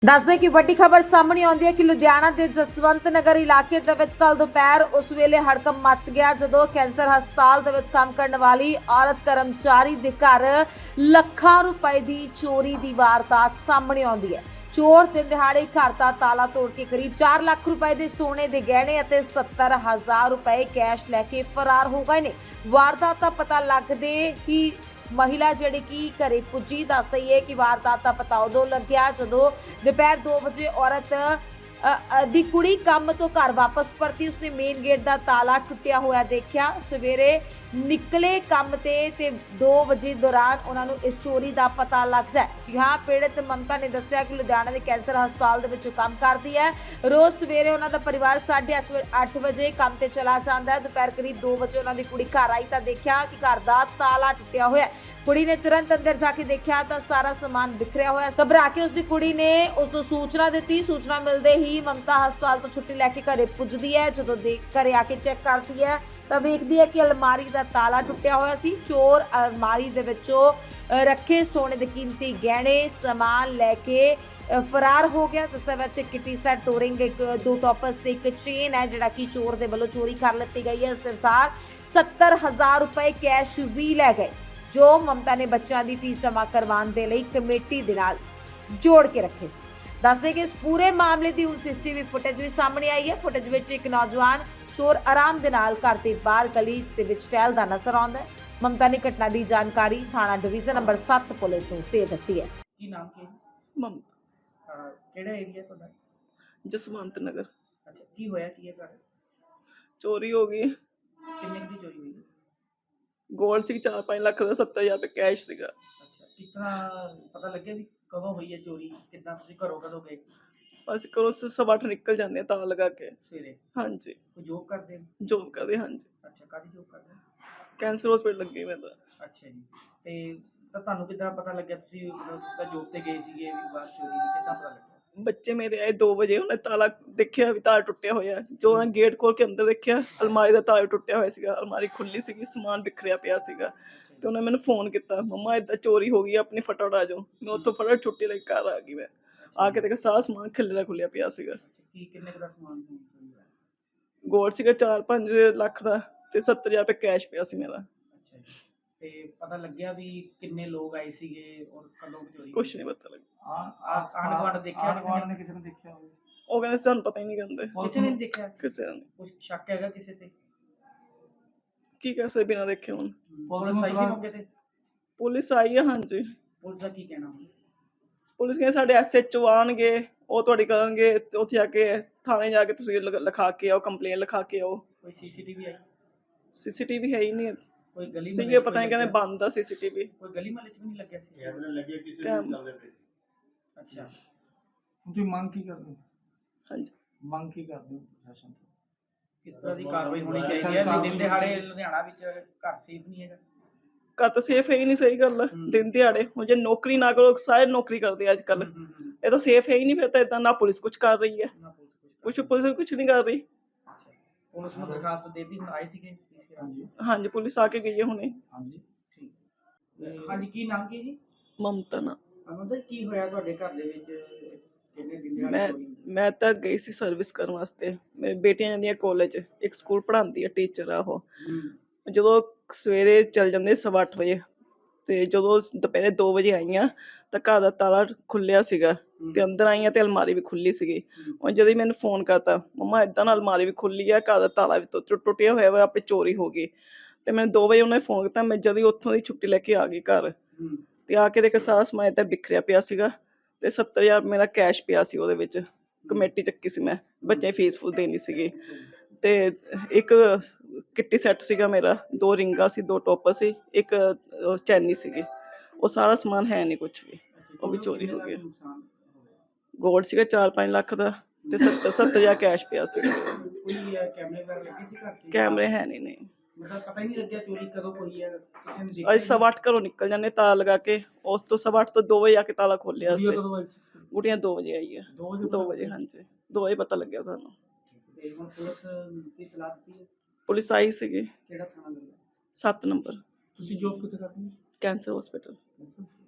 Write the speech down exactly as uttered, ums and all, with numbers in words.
ਦੱਸ ਦੇ ਕਿ ਵੱਡੀ ਖਬਰ ਸਾਹਮਣੇ ਆਉਂਦੀ ਹੈ ਕਿ ਲੁਧਿਆਣਾ ਦੇ ਜਸਵੰਤ ਨਗਰ ਇਲਾਕੇ ਦੇ ਵਿੱਚ ਕੱਲ ਦੁਪਹਿਰ ਉਸ ਵੇਲੇ ਹੜਕੰਪ ਮਚ ਗਿਆ ਜਦੋਂ ਕੈਂਸਰ ਹਸਪਤਾਲ ਦੇ ਵਿੱਚ ਕੰਮ ਕਰਨ ਵਾਲੀ ਔਰਤ ਕਰਮਚਾਰੀ ਦੇ ਘਰ ਲੱਖਾਂ ਰੁਪਏ ਦੀ ਚੋਰੀ ਦੀ ਵਾਰਦਾਤ ਸਾਹਮਣੇ ਆਉਂਦੀ ਹੈ। ਚੋਰ ਦਿਨ ਦਿਹਾੜੇ ਘਰ ਦਾ ਤਾਲਾ ਤੋੜ ਕੇ ਕਰੀਬ ਚਾਰ ਲੱਖ ਰੁਪਏ ਦੇ ਸੋਨੇ ਦੇ ਗਹਿਣੇ ਅਤੇ ਸੱਤਰ ਹਜ਼ਾਰ ਰੁਪਏ ਕੈਸ਼ ਲੈ ਕੇ ਫਰਾਰ ਹੋ ਗਏ ਨੇ। ਵਾਰਦਾਤ ਦਾ ਪਤਾ ਲੱਗਦੇ ਹੀ महिला ਜਿਹੜੀ ਕਿ ਘਰੇ ਪੁੱਜੀ ਦੱਸ ਰਹੀ ਹੈ ਕਿ ਵਾਰਦਾਤ ਦਾ ਪਤਾ ਉਦੋਂ ਲੱਗਿਆ ਜਦੋਂ ਦੁਪਹਿਰ ਦੋ ਵਜੇ ਔਰਤ ਦੀ ਕੁੜੀ ਕੰਮ ਤੋਂ ਘਰ ਵਾਪਸ ਪਰਤੀ। ਉਸਨੇ ਮੇਨ ਗੇਟ ਦਾ ਤਾਲਾ ਟੁੱਟਿਆ ਹੋਇਆ ਦੇਖਿਆ। ਸਵੇਰੇ ਨਿਕਲੇ ਕੰਮ ਤੇ ਤੇ ਦੋ ਵਜੇ ਦੌਰਾਨ ਉਹਨਾਂ ਨੂੰ ਇਸ ਚੋਰੀ ਦਾ ਪਤਾ ਲੱਗਦਾ ਹੈ। ਜੀ ਹਾਂ, ਪੀੜਤ ਮਮਤਾ ਨੇ ਦੱਸਿਆ ਕਿ ਲੁਧਿਆਣਾ ਦੇ ਕੈਂਸਰ ਹਸਪਤਾਲ ਦੇ ਵਿੱਚ ਕੰਮ ਕਰਦੀ ਹੈ। ਰੋਜ਼ ਸਵੇਰੇ ਉਹਨਾਂ ਦਾ ਪਰਿਵਾਰ ਸਾਢੇ ਅੱਠ ਵਜੇ ਕੰਮ ਤੇ ਚਲਾ ਜਾਂਦਾ ਹੈ। ਦੁਪਹਿਰ ਕਰੀਬ ਦੋ ਵਜੇ ਉਹਨਾਂ ਦੀ ਕੁੜੀ ਘਰ ਆਈ ਤਾਂ ਦੇਖਿਆ ਕਿ ਘਰ ਦਾ ਤਾਲਾ ਟੁੱਟਿਆ ਹੋਇਆ ਹੈ। ਕੁੜੀ ਨੇ ਤੁਰੰਤ ਅੰਦਰ ਜਾ ਕੇ ਦੇਖਿਆ ਤਾਂ ਸਾਰਾ ਸਮਾਨ ਬਿਖਰਿਆ ਹੋਇਆ। ਘਬਰਾ ਕੇ ਉਸਦੀ ਕੁੜੀ ਨੇ ਉਸ ਨੂੰ ਸੂਚਨਾ ਦਿੱਤੀ। ਸੂਚਨਾ ਮਿਲਦੇ ਹੀ ਮਮਤਾ ਹਸਪਤਾਲ ਤੋਂ ਛੁੱਟੀ ਲੈ ਕੇ ਘਰੇ ਪੁੱਜਦੀ ਹੈ। ਜਦੋਂ ਘਰੇ ਆ ਕੇ ਚੈੱਕ ਕਰਦੀ ਹੈ ਤਾਂ ਵੇਖਦੀ ਹੈ ਕਿ ਅਲਮਾਰੀ ਦਾ ਤਾਲਾ ਟੁੱਟਿਆ ਹੋਇਆ ਸੀ। ਚੋਰ ਅਲਮਾਰੀ ਦੇ ਵਿੱਚੋਂ ਰੱਖੇ ਸੋਨੇ ਦੇ ਕੀਮਤੀ ਗਹਿਣੇ ਸਮਾਨ ਲੈ ਕੇ ਫਰਾਰ ਹੋ ਗਿਆ, ਜਿਸ ਦੇ ਵਿੱਚ ਕਿਟੀ ਸੈਟ, ਟੋਰਿੰਗ, ਇੱਕ ਦੋ ਟੋਪਸ ਤੇ ਇੱਕ ਚੇਨ ਹੈ ਜਿਹੜਾ ਕਿ ਚੋਰ ਦੇ ਵੱਲੋਂ ਚੋਰੀ ਕਰ ਲਿੱਤੀ ਗਈ ਹੈ। ਇਸ ਦੇ ਅਨੁਸਾਰ ਸੱਤਰ ਹਜ਼ਾਰ ਰੁਪਏ ਕੈਸ਼ ਵੀ ਲੈ ਗਏ ਜੋ ਮਮਤਾ ਨੇ ਬੱਚਿਆਂ ਦੀ ਫੀਸ ਜਮ੍ਹਾਂ ਕਰਵਾਉਣ ਦੇ ਲਈ ਕਮੇਟੀ ਦੇ ਨਾਲ ਜੋੜ ਕੇ ਰੱਖੇ ਸੀ। ਦੱਸਦੇ ਕਿ ਇਸ ਪੂਰੇ ਮਾਮਲੇ ਦੀ ਹੁਣ ਸੀਸੀਟੀਵੀ ਫੁਟੇਜ ਵੀ ਸਾਹਮਣੇ ਆਈ ਹੈ। ਫੁਟੇਜ ਵਿੱਚ ਇੱਕ ਨੌਜਵਾਨ ਚੋਰ ਆਰਾਮ ਦੇ ਨਾਲ ਘਰ ਦੇ ਬਾਹਰ ਗਲੀ ਦੇ ਵਿੱਚ ਟਹਿਲਦਾ ਨਜ਼ਰ ਆਉਂਦਾ ਹੈ। ਮਮਤਾ ਨੇ ਘਟਨਾ ਦੀ ਜਾਣਕਾਰੀ ਥਾਣਾ ਡਿਵੀਜ਼ਨ ਨੰਬਰ ਸੱਤ ਪੁਲਿਸ ਨੂੰ ਦੇ ਦਿੱਤੀ ਹੈ। ਕੀ ਨਾਮ ਕੀ ਮਮਤਾ, ਕਿਹੜਾ ਏਰੀਆ ਤੁਹਾਡਾ? ਜਸਵੰਤ ਨਗਰ। ਅੱਛਾ, ਕੀ ਹੋਇਆ ਕੀ ਹੈ ਘਰ? ਚੋਰੀ ਹੋ ਗਈ। ਕਿੰਨੇ ਦੀ ਚੋਰੀ ਹੋਈ? ਗੋਲਡ ਸੀ ਚਾਰ ਪੰਜ ਲੱਖ ਦਾ, ਸੱਤਰ ਹਜ਼ਾਰ ਰੁਪਏ ਕੈਸ਼ ਸੀਗਾ। ਅੱਛਾ, ਕਿਤਨਾ ਪਤਾ ਲੱਗਿਆ ਵੀ ਕਦੋਂ ਹੋਈ ਹੈ ਚੋਰੀ? ਕਿੱਦਾਂ ਤੁਸੀਂ ਘਰੋਂ ਕਦੋਂ ਗਏ? ਅਸੀਂ ਘਰੋਂ ਸਵਾ ਅੱਠ ਨਿਕਲ ਜਾਂਦੇ ਹਾਂ ਤਾਲਾ ਲਗਾ ਕੇ। ਸਵੇਰੇ ਹਾਂਜੀ। ਕੋਈ ਜੋਬ ਕਰਦੇ ਹੋ? ਜੋਬ ਕਰਦੇ, ਹਾਂਜੀ। ਅੱਛਾ, ਕਾਹਦੀ ਜੋਬ ਕਰਦੇ ਹੋ? ਕੈਂਸਰ ਹਸਪੀਟਲ ਲੱਗੀ ਮੈਂ ਤਾਂ। ਅੱਛਾ ਜੀ, ਤੇ ਤਾਂ ਤੁਹਾਨੂੰ ਕਿੱਦਾਂ ਪਤਾ ਲੱਗਿਆ ਤੁਸੀਂ ਮਤਲਬ ਤੁਸੀਂ ਤਾਂ ਜੋਬ ਤੇ ਗਏ ਸੀਗੇ ਵੀ ਬਾਅਦ ਚੋਰੀ ਦੀ ਕਿੱਦਾਂ ਪਤਾ ਲੱਗਿਆ? ਬੱਚੇ ਮੇਰੇ ਆਏ ਦੋ ਵਜੇ, ਉਹਨੇ ਤਾਲਾ ਦੇਖਿਆ ਵੀ ਤਾਲਾ ਟੁੱਟਿਆ ਹੋਇਆ। ਜੋ ਉਹਨੇ ਗੇਟ ਖੋਲ ਕੇ ਅੰਦਰ ਦੇਖਿਆ, ਅਲਮਾਰੀ ਦਾ ਤਾਲਾ ਟੁੱਟਿਆ ਹੋਇਆ ਸੀਗਾ। ਅਲਮਾਰੀ ਖੁੱਲੀ ਸੀਗੀ, ਸਮਾਨ ਬਿਖਰਿਆ ਪਿਆ ਸੀਗਾ। ਤੇ ਉਹਨੇ ਮੈਨੂੰ ਫੋਨ ਕੀਤਾ, ਮੰਮਾ ਏਦਾਂ ਚੋਰੀ ਹੋ ਗਈ, ਆਪਣੀ ਫਟਾਫਟ ਆ ਜਾਓ। ਮੈਂ ਉੱਥੋਂ ਫਟਾਫਟ ਛੁੱਟੀ ਲੈ ਕੇ ਘਰ ਆ ਗਈ। ਮੈਂ ਆ ਕੇ ਦੇਖਿਆ ਸਾਰਾ ਸਮਾਨ ਖਿਲਰਿਆ ਖੁੱਲਿਆ ਪਿਆ ਸੀਗਾ। ਕੀ ਕਿੰਨੇ ਕੁ ਦਾ ਸਮਾਨ ਸੀ? ਗੋਲਡ ਸੀਗਾ ਚਾਰ ਪੰਜ ਲੱਖ ਦਾ ਤੇ ਸੱਤਰ ਹਜ਼ਾਰ ਰੁਪਏ ਕੈਸ਼ ਪਿਆ ਸੀ ਮੇਰਾ। ਅੱਛਾ ਜੀ, ਤੇ ਪਤਾ ਲੱਗਿਆ ਵੀ ਕਿੰਨੇ ਲੋਕ ਆਏ ਸੀਗੇ ਔਰ ਕਦੋਂ ਚੋਰੀ? ਕੁਛ ਨਹੀਂ ਪਤਾ ਲੱਗਾ। ਆਂਢ ਗੁਆਂਢ ਦੇਖਿਆ ਕਿਸੇ ਨੇ? ਕਿਸੇ ਨੇ ਦੇਖਿਆ ਹੋਵੇ? ਉਹ ਕਹਿੰਦੇ ਸਾਨੂੰ ਪਤਾ ਹੀ ਨਹੀਂ ਕਹਿੰਦੇ। ਕਿਸੇ ਨੇ ਨਹੀਂ ਦੇਖਿਆ? ਕਿਸੇ ਨੇ। ਕੁਛ ਸ਼ੱਕ ਹੈਗਾ ਕਿਸੇ ਤੇ? ਕੀ ਕਹਿ ਸਕਦੇ ਬਿਨਾਂ ਦੇਖੇ ਹੁਣ। ਪੁਲਿਸ ਆਈ ਸੀ ਮੌਕੇ ਤੇ? ਪੁਲਿਸ ਆਈ ਹੈ, ਹਾਂਜੀ। ਪੁਲਿਸ ਦਾ ਕੀ ਕਹਿਣਾ? ਪੁਲਿਸ ਕਹਿੰਦੇ ਸਾਡੇ ਐਸ ਐਚ ਓ ਆਉਣਗੇ, ਉਹ ਤੁਹਾਡੀ ਕਰਨਗੇ। ਉੱਥੇ ਜਾ ਕੇ ਥਾਣੇ ਜਾ ਕੇ ਤੁਸੀਂ ਲਿਖਾ ਕੇ ਆਓ, ਕੰਪਲੇਨ ਲਿਖਾ ਕੇ ਆਓ। ਕੋਈ ਸੀਸੀਟੀਵੀ ਆਈ? ਸੀਸੀਟੀਵੀ ਹੈ ਹੀ ਨਹੀਂ। ਕੋਈ ਗਲੀ ਸੀਗੇ, ਪਤਾ ਨਹੀਂ ਕਹਿੰਦੇ ਬੰਦ ਆ ਸੀਸੀਟੀਵੀ। ਕੋਈ ਗਲੀ ਮਹੱਲੇ ਚ ਵੀ ਨਹੀਂ ਲੱਗਿਆ ਸੀ? ਕੈਮਰੇ ਲੱਗੇ ਕਿਸੇ ਨੂੰ ਚੱਲਦੇ ਪਏ। ਅੱਛਾ, ਤੁਸੀਂ ਮੰਗ ਕੀ ਕਰਦੇ ਹੋ? ਹਾਂਜੀ, ਮੰਗ ਕੀ ਕਰਦੇ ਹੋ ਪ੍ਰਸ਼ਾਸਨ ਤੋਂ? ਕਿਸ ਤਰ੍ਹਾਂ ਦੀ ਕਾਰਵਾਈ ਹੋਣੀ ਚਾਹੀਦੀ ਹੈ ਵੀ ਦਿਨ ਦਿਹਾੜੇ ਲੁਧਿਆਣਾ ਵਿੱਚ ਘਰ ਸੇਫ ਨਹੀਂ ਹੈਗਾ? ਘਰ ਤਾਂ ਸੇਫ ਹੈ ਹੀ ਨਹੀਂ। ਸਹੀ ਗੱਲ ਹੈ। ਦਿਨ ਦਿਹਾੜੇ ਹੁਣ ਜੇ ਨੌਕਰੀ ਨਾ ਕਰੋ, ਸਾਰੇ ਨੌਕਰੀ ਕਰਦੇ ਆ ਅੱਜ ਕੱਲ। ਇਹ ਤਾਂ ਸੇਫ ਹੈ ਹੀ ਨਹੀਂ। ਫਿਰ ਤਾਂ ਏਦਾਂ ਨਾ ਪੁਲਿਸ ਕੁਛ ਕਰ ਰਹੀ ਹੈ, ਕੁਛ ਪੁਲਿਸ ਕੁਛ ਨਹੀਂ ਕਰ ਰਹੀ। ਪੁਲਿਸ ਨੂੰ ਦਰਖਾਸਤ ਦੇ ਦਿੱਤੀ, ਹੁਣ ਆਏ ਸੀਗੇ? ਹਾਂਜੀ ਹਾਂਜੀ, ਪੁਲਿਸ ਆ ਕੇ ਗਈ ਹੈ ਹੁਣੇ। ਹਾਂਜੀ ਠੀਕ। ਹਾਂਜੀ, ਕੀ ਨਾਮ ਕੀ ਜੀ? ਮਮਤਾ ਨਾ। ਅਮਨਦਰ, ਕੀ ਹੋਇਆ ਤੁਹਾਡੇ ਘਰ ਦੇ ਵਿੱਚ? ਕਿੰਨੇ ਦਿਨ ਮੈਂ ਮੈਂ ਤਾਂ ਗਈ ਸੀ ਸਰਵਿਸ ਕਰਨ ਵਾਸਤੇ। ਮੇਰੀ ਬੇਟੀਆਂ ਜਾਂਦੀਆਂ ਕਾਲਜ, ਇੱਕ ਸਕੂਲ ਪੜ੍ਹਾਉਂਦੀ ਹੈ, ਟੀਚਰ ਆ ਉਹ। ਜਦੋਂ ਸਵੇਰੇ ਚੱਲ ਜਾਂਦੇ ਸਵਾ ਅੱਠ ਵਜੇ ਤੇ ਜਦੋਂ ਦੁਪਹਿਰੇ ਦੋ ਵਜੇ ਆਈਆਂ ਤਾਂ ਘਰ ਦਾ ਤਾਲਾ ਖੁੱਲਿਆ ਸੀਗਾ ਤੇ ਅੰਦਰ ਆਈਆਂ ਤੇ ਅਲਮਾਰੀ ਵੀ ਖੁੱਲੀ ਸੀਗੀ। ਉਹ ਜਦੋਂ ਮੈਨੂੰ ਫੋਨ ਕਰਤਾ, ਮੰਮਾ ਏਦਾਂ ਨਾਲ ਅਲਮਾਰੀ ਵੀ ਖੁੱਲੀ ਆ, ਘਰ ਦਾ ਤਾਲਾ ਵੀ ਟੁੱਟਿਆ ਹੋਇਆ ਵਾ, ਆਪਣੀ ਚੋਰੀ ਹੋ ਗਈ। ਤੇ ਮੈਨੂੰ ਦੋ ਵਜੇ ਉਹਨੇ ਫੋਨ ਕੀਤਾ। ਮੈਂ ਜਦੋਂ ਉੱਥੋਂ ਦੀ ਛੁੱਟੀ ਲੈ ਕੇ ਆ ਗਈ ਘਰ ਤੇ ਆ ਕੇ ਦੇਖਿਆ ਸਾਰਾ ਸਮਾਨ ਏਦਾਂ ਬਿਖਰਿਆ ਪਿਆ ਸੀਗਾ ਤੇ ਸੱਤਰ ਹਜ਼ਾਰ ਮੇਰਾ ਕੈਸ਼ ਪਿਆ ਸੀ ਉਹਦੇ ਵਿੱਚ। ਕਮੇਟੀ ਚੱਕੀ ਸੀ ਮੈਂ, ਬੱਚੇ ਫੀਸ ਫੂਸ ਦੇਣੀ ਸੀਗੀ। ਤੇ ਇੱਕ ਕਿੱਟੀ ਸੈੱਟ ਸੀਗਾ ਮੇਰਾ, ਦੋ ਰਿੰਗਾਂ ਸੀ, ਦੋ ਟੋਪਸ ਸੀ, ਇੱਕ ਚੈਨੀ ਸੀਗੀ। ਉਹ ਸਾਰਾ ਸਮਾਨ ਹੈ ਨਹੀਂ ਕੁਛ ਵੀ, ਉਹ ਵੀ ਚੋਰੀ ਹੋ ਗਿਆ। ਗੋਲਡ ਸੀਗਾ ਚਾਰ ਪੰਜ ਲੱਖ ਦਾ ਤੇ ਸੱਤਰ ਸੱਤਰ ਹਜ਼ਾਰ ਕੈਸ਼ ਪਿਆ ਸੀਗਾ। ਕੈਮਰੇ ਹੈ ਨਹੀਂ। ਨਹੀਂ, ਪਤਾ ਹੀ ਨਹੀਂ ਲੱਗਿਆ ਚੋਰੀ ਕਦੋਂ ਹੋਈ ਹੈ? ਅੱਜ ਸਵਾ ਅੱਠ ਘਰੋਂ ਨਿਕਲ ਜਾਂਦੇ ਤਾਲਾ ਲਗਾ ਕੇ। ਉਸ ਤੋਂ ਸਵਾ ਅੱਠ ਤੋਂ ਦੋ ਵਜੇ ਆ ਕੇ ਤਾਲਾ ਖੋਲਿਆ ਸੀ। ਗੁੱਡੀਆਂ ਦੋ ਵਜੇ ਆਈ ਹੈ। ਦੋ ਵਜੇ, ਹਾਂਜੀ, ਦੋ ਵਜੇ ਪਤਾ ਲੱਗਿਆ ਸਾਨੂੰ। ਪੁਲਿਸ ਆਈ ਸੀਗੀ। ਕਿਹੜਾ ਥਾਣਾ ਲੱਗਿਆ? ਸੱਤ ਨੰਬਰ। ਤੁਸੀਂ ਜੋਬ ਕਿੱਥੇ ਕਰਦੇ ਹੋ? Cancer hospital.